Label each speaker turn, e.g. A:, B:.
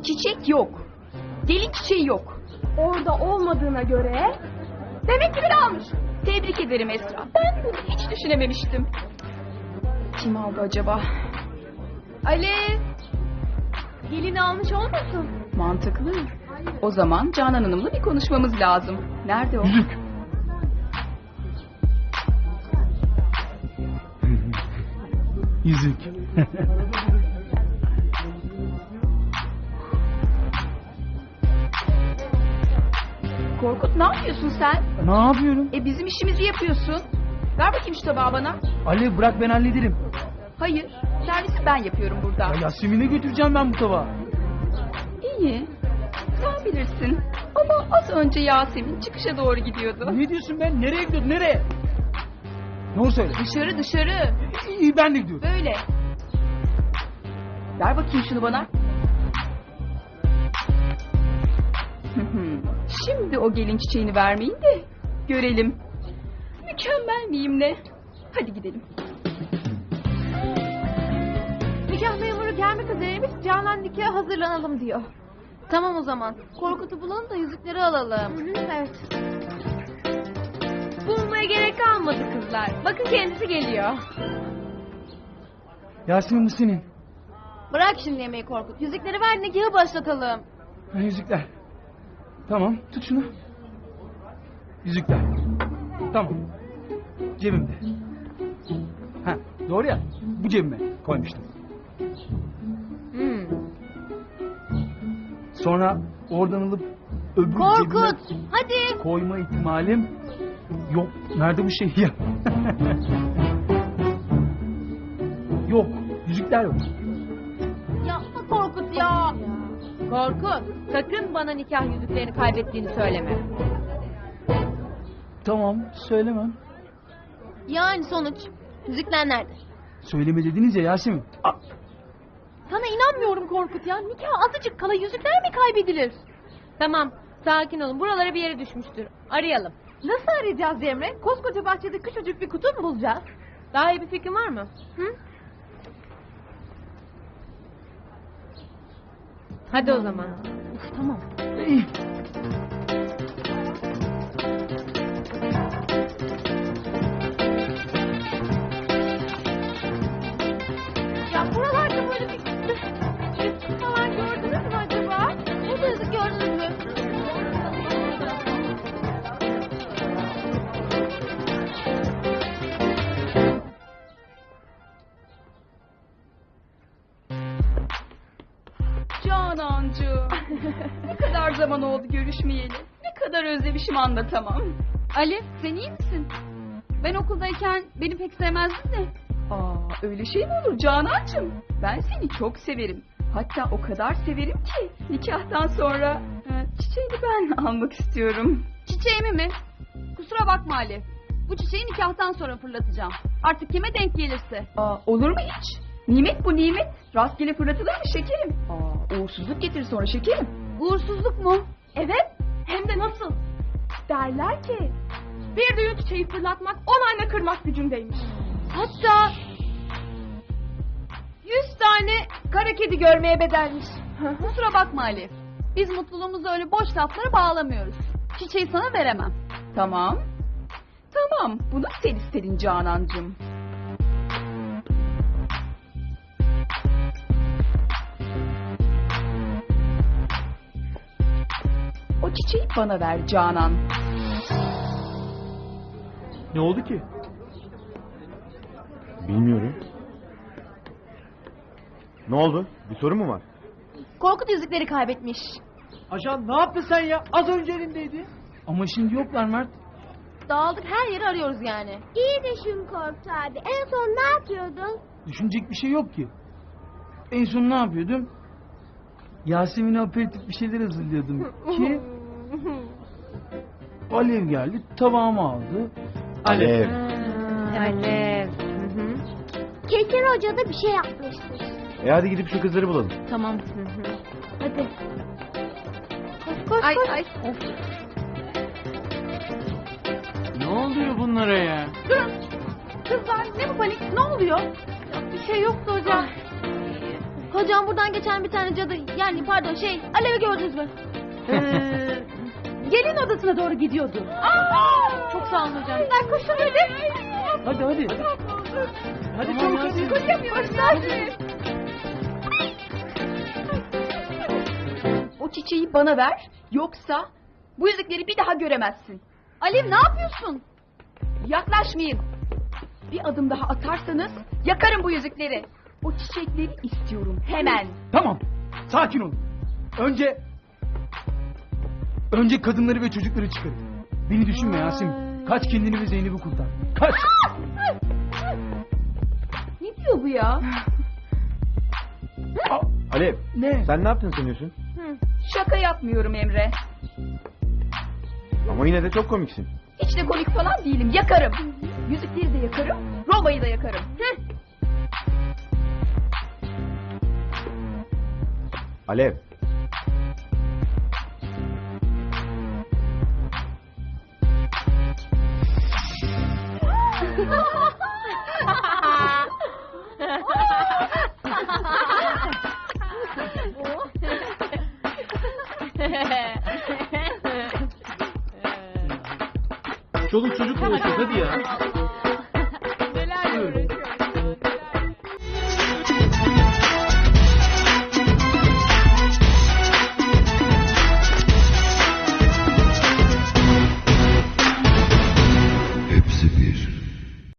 A: Çiçek yok. Gelin çiçeği yok.
B: Orada olmadığına göre demek ki biri almış.
A: Tebrik ederim Esra. Ben bunu hiç düşünememiştim. Kim aldı acaba?
B: Ali, gelini almış olmasın?
A: Mantıklı. O zaman Canan Hanım'la bir konuşmamız lazım. Nerede o?
C: Yüzük. Yüzük.
A: Korkut, ne yapıyorsun sen?
C: Ne yapıyorum?
A: Bizim işimizi yapıyorsun. Ver bakayım şu tabağı bana.
C: Ali bırak ben hallederim.
A: Hayır, servisi ben yapıyorum burada.
C: Ya Yasemin'e götüreceğim ben bu tabağı.
A: İyi, sen bilirsin. Ama az önce Yasemin çıkışa doğru gidiyordu.
C: Ne diyorsun ben? Nereye gidiyorsun? Nereye? Doğru söyle.
A: Dışarı dışarı.
C: İyi ben de gidiyorum.
A: Böyle. Ver bakayım şunu bana. Şimdi o gelin çiçeğini vermeyin de görelim. Mükemmel miyim ne? Hadi gidelim.
B: Nikah memuru gelmek üzereymiş. Canan nikaha hazırlanalım diyor.
D: Tamam o zaman. Korkut'u bulalım da yüzükleri alalım.
B: Evet. Bulmaya gerek kalmadı kızlar. Bakın kendisi geliyor.
C: Yasemin bu senin.
D: Bırak şimdi yemeği Korkut. Yüzükleri ver nikahı başlatalım.
C: Ha, yüzükler. Tamam tut şunu. Yüzükler. Tamam. Cebimde. Ha doğru ya. Bu cebime koymuştum. Sonra oradan alıp öbür
D: Korkut
C: cebime
D: hadi.
C: koyma ihtimalim yok. Nerede bu şey ya? Yok. Yüzükler yok.
D: Yapma Korkut ya.
B: Korkut, sakın bana nikah yüzüklerini kaybettiğini söyleme.
C: Tamam söylemem.
D: Yani sonuç. Yüzükler nerede?
C: Söyleme dediniz ya Yasemin.
D: Sana inanmıyorum Korkut ya. Nikah azıcık kala yüzükler mi kaybedilir?
B: Tamam, sakin olun. Buralara bir yere düşmüştür. Arayalım.
D: Nasıl arayacağız Cemre? Koskoca bahçede küçücük bir kutu mu bulacağız?
B: Daha iyi bir fikrin var mı?
D: Hı?
B: Hadi o zaman.
D: Tamam.
C: İyi.
D: Ya buralarda böyle bir yüzük falan gördünüz mü acaba? Burada yüzük gördünüz mü?
A: Canancığım. Ne kadar zaman oldu görüşmeyeli. Ne kadar özlemişim anlatamam.
B: Ali, sen iyi misin? Ben okuldayken beni pek sevmezdin de.
A: Öyle şey mi olur Canancığım? Ben seni çok severim. Hatta o kadar severim ki nikahtan sonra çiçeğini ben almak istiyorum.
B: Çiçeğimi mi? Kusura bakma Ali. Bu çiçeği nikahtan sonra fırlatacağım. Artık kime denk gelirse.
A: Olur mu hiç? Nimet bu nimet. Rastgele fırlatılır mı şekerim? Uğursuzluk getirir sonra şekerim.
B: Uğursuzluk mu?
D: Evet. Hem de nasıl?
B: Derler ki bir düğün çiçeği fırlatmak 10 anne kırmak gücündeymiş.
D: Hatta
B: 100 tane kara kedi görmeye bedelmiş. Kusura bakma Ali. Biz mutluluğumuzu öyle boş laflara bağlamıyoruz. Çiçeği sana veremem.
A: Tamam. Tamam. Bunu sen istedin Canancığım. O çiçeği bana ver Canan.
C: Ne oldu ki?
E: Bilmiyorum. Ne oldu? Bir sorun mu var?
D: Korkut yüzükleri kaybetmiş.
C: Ajan ne yaptın sen ya? Az önce elindeydi. Ama şimdi yoklar Mert.
D: Dağıldık her yeri arıyoruz yani.
F: İyi düşün Korkut abi. En son ne yapıyordun?
C: Düşünecek bir şey yok ki. En son ne yapıyordum? Yasemin'e aperatif bir şeyler hazırlıyordum ki Alev geldi tabağımı aldı.
E: Alev.
B: Alev.
F: Kesin hoca da bir şey yapmıştır.
E: Hadi gidip şu kızları bulalım.
D: Tamam.
F: Hadi.
B: Ay ay.
C: Ne oluyor bunlara ya?
B: Durun. Kızlar ne bu panik? Ne oluyor?
D: Bir şey yoktu hocam. Hocam buradan geçen bir tane cadı yani pardon Alev'i gördünüz mü?
B: Gelin odasına doğru gidiyordu.
D: Çok sağ olun hocam.
B: Sen koşun hadi.
C: Hadi. Hadi çabuk hadi.
B: Koşamıyoruz.
A: O çiçeği bana ver, yoksa bu yüzükleri bir daha göremezsin.
B: Alev ne yapıyorsun?
A: Yaklaşmayın. Bir adım daha atarsanız yakarım bu yüzükleri. O çiçekleri istiyorum hemen.
C: Tamam. Sakin olun. Önce kadınları ve çocukları çıkarın. Beni düşünme Yasemin. Kaç kendini ve Zeynep'i kurtar. Kaç.
A: Ne diyor bu ya?
E: Alev,
C: Ne?
E: sen ne yaptın sanıyorsun?
A: Şaka yapmıyorum Emre.
E: Ama yine de çok komiksin.
A: Hiç de komik falan değilim. Yakarım. Yüzükleri de yakarım. Roma'yı da yakarım.
E: Alev.
C: Çoluk çocuk konuşuyor hadi ya.
B: Neler görüyoruz.